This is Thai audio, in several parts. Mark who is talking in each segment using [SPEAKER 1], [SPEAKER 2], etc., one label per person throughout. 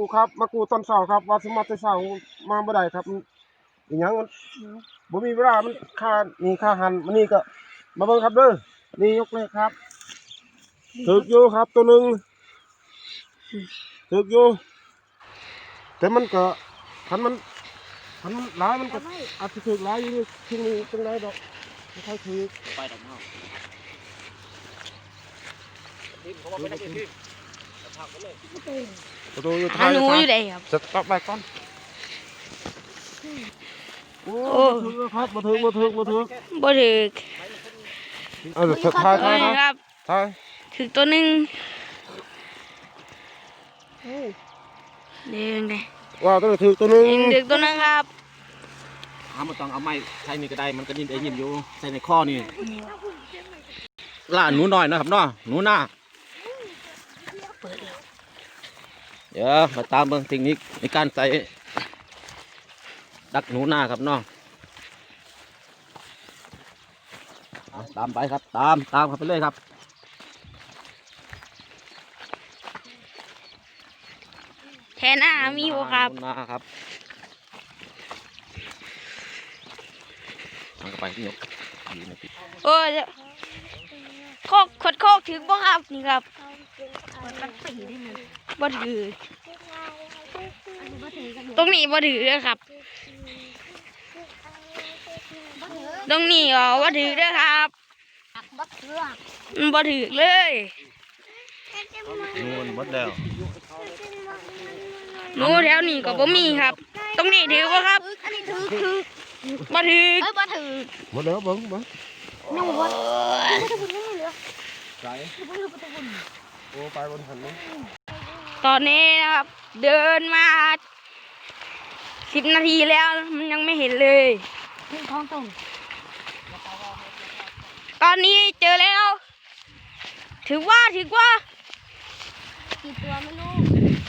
[SPEAKER 1] ครับมากูตอนเช้าครับว่าสมัติเช้ามาบ่ได้ครับอย่างงั้นมันบ่มีเวลามันค่านี่ค่าหันมันนี่ก็มาเบิ่งครับเด้อนี่ยกเลยครับถึกอยู่ครับตัวหนึ่งถึกอยู่แต่มันก็คันมันหลายมันก็อาจจะถึกหลายอยู่นี่ที่นี่ตรงไหนดอกไม่ค่อยถึกไปดอกเนาะทีมเขาบอกไม่ได้ทีมประตูอยู่ท้ายหนูอยู่ไหนครับจะตัดไปก่อนโอ้ถึกครับมาถึกถ่าย
[SPEAKER 2] ครับถึกตัวหนึ่งเด้งเลย
[SPEAKER 1] ว้าวตัวถึกตัวหนึ่ง
[SPEAKER 2] ถึกตัวหนึ่งครับ
[SPEAKER 3] มันต้องเอาไม้ใช้นี่ก็ได้มันก็ยินได้ยินอยู่ใส่ในข้อนี่ล่าหนูน้อยนะครับเนาะหนูหน้าเดี๋ยวมาตามเบื้องเทคนิคในการใส่ดักหนูหน้าครับเนาะตามไปครับตามครับไปเลยครับ
[SPEAKER 2] แทนหน้ามีบ่ครับ
[SPEAKER 3] หน้าครับมันก็ไปที่ยก
[SPEAKER 2] โอ้ยโคกถึงบ่ครับนี่ครับบ่ถือตรงนี้บ่ถือครับตรงนี้บ่ถือเด้อครับบ่ถือเลย
[SPEAKER 3] นู่นหมดแล้ว
[SPEAKER 2] หนูแถวนี้ก็บ่มีครับตรงนี้ถือบ่ครับบ่ถือ
[SPEAKER 1] หมดแล้วเบิ่ง
[SPEAKER 2] น้องบ่
[SPEAKER 1] ใส่โอ้ไปบนหันมั้ง
[SPEAKER 2] ตอนนี้นะครับเดินมา10 นาทีแล้วมันยังไม่เห็นเลยตอนนี้เจอแล้วถือว่ากี่ตัวไม่รู้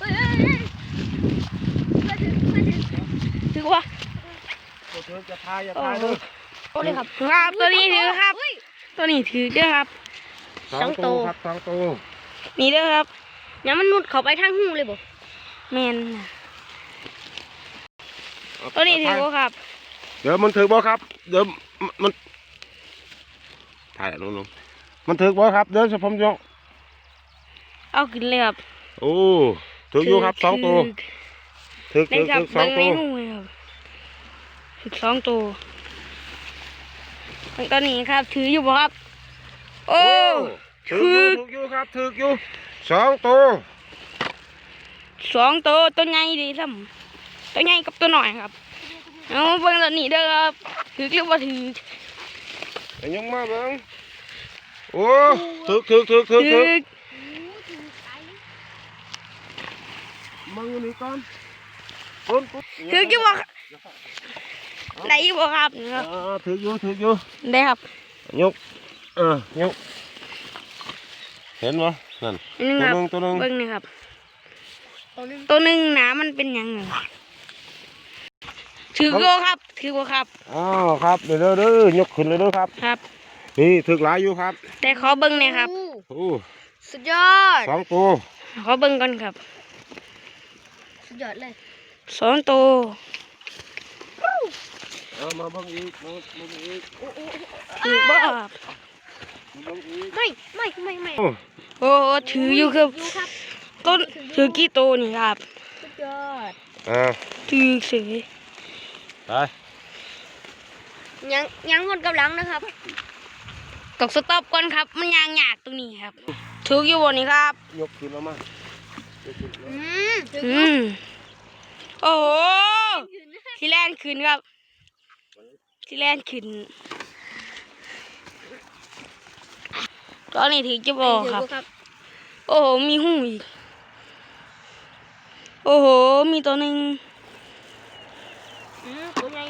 [SPEAKER 2] ถือว่า
[SPEAKER 1] จะทายด้วย
[SPEAKER 2] ครับตัวนี้ถือครับตัวนี้ถือด้วยครับ
[SPEAKER 1] 2 ตัวครับ2 ตัว
[SPEAKER 2] นี่ด้วยครับเนี่ยมันมุดเข้าไปทางหูเลยบ่แมนตัวนี้ถือบ่ครับ
[SPEAKER 1] เดี๋ยวมันถือบ่ครับเดี๋ยวมันถ่ายลงมันถือบ่ครับเดี๋ยวผมยก
[SPEAKER 2] เอาขึ้นเลยครับ
[SPEAKER 1] โอ้ถืออยู่ครับ2 ตัวถือ2 ตัว
[SPEAKER 2] ถือ2 ตัวตอนนี้ครับถืออยู่บ่ครับโอ้
[SPEAKER 1] ถืออยู่ครับถืออยู่2 ตัว
[SPEAKER 2] ตัวใหญ่ดีซ้ำตัวใหญ่กับตัวหน่อยครับเอาเบิ่งตอนนี้เด้อครับถือหรือว่าถือ
[SPEAKER 1] ยังมาเบิ่งโอ้ถือมึงนี่ก่อน
[SPEAKER 2] ถือกี่บ่ได้อยู่บ่ครับ
[SPEAKER 1] ถืออยู่
[SPEAKER 2] ได้ครับ
[SPEAKER 1] ยกยกเห็นบ่นั่นตัวนึง
[SPEAKER 2] เบิ่งนี่ครับตัวนึงหนามันเป็นยังไงถือบ่ครับ
[SPEAKER 1] ครับเด้อยกขึ้นเลยเด้อครับ
[SPEAKER 2] ครับ
[SPEAKER 1] นี่ถือหลายอยู่ครับ
[SPEAKER 2] แต่ขอเบิ่งหน่อยครับ
[SPEAKER 1] โอ้
[SPEAKER 2] สุดยอด
[SPEAKER 1] 2 ตัว
[SPEAKER 2] ขอเบิ่งก่อนครับสุดยอดเลย2 ตัว
[SPEAKER 1] มาเบิ่งอีก
[SPEAKER 2] ถือบ่ไม่โอ้ถืออยู่ครับต้นถือกี่ตัวนี่ครับสุดยอดถือเสย
[SPEAKER 1] ไป
[SPEAKER 2] ยังหดกำลังนะครับตกสต็อปก่อนครับมันยางหยาดตรงนี้ครับถืออยู่บนนี้ครับ
[SPEAKER 1] ยกขึ้นแล้วมา
[SPEAKER 2] โอ้โหที่แล่นขึ้นครับที่แล่นขึ้นตอนนี้ถือจะบอกครับโอ้โหมีหูอีกโอ้โหมีตัวหนึ่งตัวใหญ่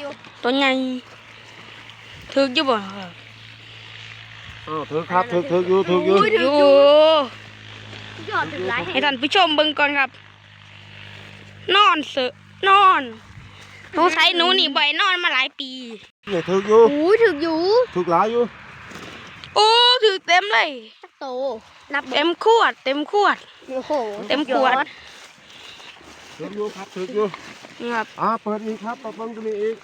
[SPEAKER 2] ถือจะบอกครับ
[SPEAKER 1] ถือครับถืออยู่
[SPEAKER 2] ให้ท่านผู้ชมเบิ่งก่อนครับนอนหนูใช้หนูนี่บ่อยนอนมาหลายปี
[SPEAKER 1] นี่ถืออยู่ถือหลายอยู่
[SPEAKER 2] โอ้ถือเต็มเลยโตนับเต็มขวดโอ้โหเต็มขวด
[SPEAKER 1] ถืออยู่ครับถืออยู่
[SPEAKER 2] นี่ครับ
[SPEAKER 1] เปิดอีกครับเปิดเบิ้งตัวนี้อีก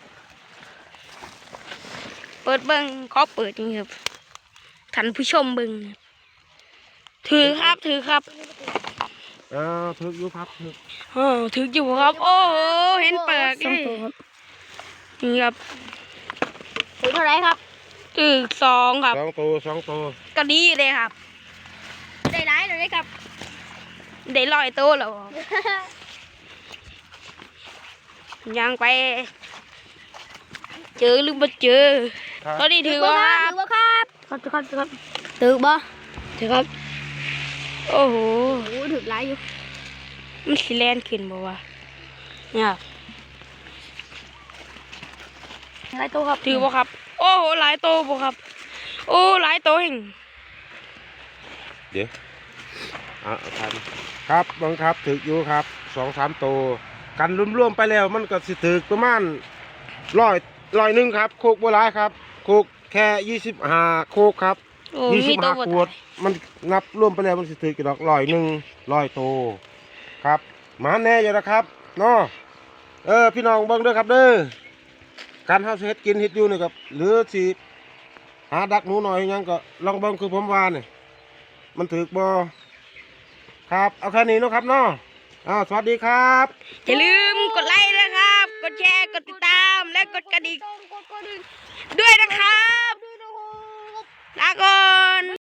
[SPEAKER 2] เปิดเบิ้งขอเปิดนี่ครับท่านผู้ชมเบิ้งถือครับถือครับ
[SPEAKER 1] ถืออยู่ครับถือ
[SPEAKER 2] ถืออยู่ครับ โอ้โหเห็นเปิดเลยนี่ครับ
[SPEAKER 4] ถือเท่าไรครับ
[SPEAKER 2] ถือ2ครับ
[SPEAKER 1] สองตัว
[SPEAKER 2] ก็ดีเลยครับ
[SPEAKER 4] ได้ร้ายเลยครับ
[SPEAKER 2] ได้100 ตัวแล้วครับยังไป เจอหรือไม่เจอตอนนี้ถือว่าครับ
[SPEAKER 4] ถือว่าครับ
[SPEAKER 2] ครับ
[SPEAKER 4] ถือบ่
[SPEAKER 2] ถือครับ โอ้โห
[SPEAKER 4] โอ้ถือร้ายอยู่
[SPEAKER 2] มันสิแลนขึ้นบ่วะเนี่ยครับ
[SPEAKER 4] ร้ายตัวครับ
[SPEAKER 2] ถือบ่ครับ โอ้โหหลายตัวบ่ครับ โอ้หลายตัวเอง
[SPEAKER 1] เดี๋ยวครับบังครับถืออยู่ครับ2-3ตัวกันรวมๆไปแล้วมันก็สิถือประมาณร้อยหนึ่งครับโคกบัวลายครับโคกแค่25โคกครับ
[SPEAKER 2] โอ้มีตัวบ่
[SPEAKER 1] 25ขวดมันนับรวมไปแล้วมันสิถือกี่ดอก100ตัวครับหมาแน่อยู่นะครับเนาะพี่น้องเบิ่งเด้อครับเด้อการเฮาสิเฮ็ดกินเฮ็ดอยู่นี่ครับหรือสิหาดักหนูหน่อยหยังก็ลองเบิ่งคือผมว่านี่มันถือบ่ครับเอาแค่นี้เนาะครับเนาะสวัสดีครับ
[SPEAKER 2] อย่าลืมกดไลค์นะครับ กดแชร์ กดติดตาม และกดกระดิ่งด้วยนะครับ ลาก่อน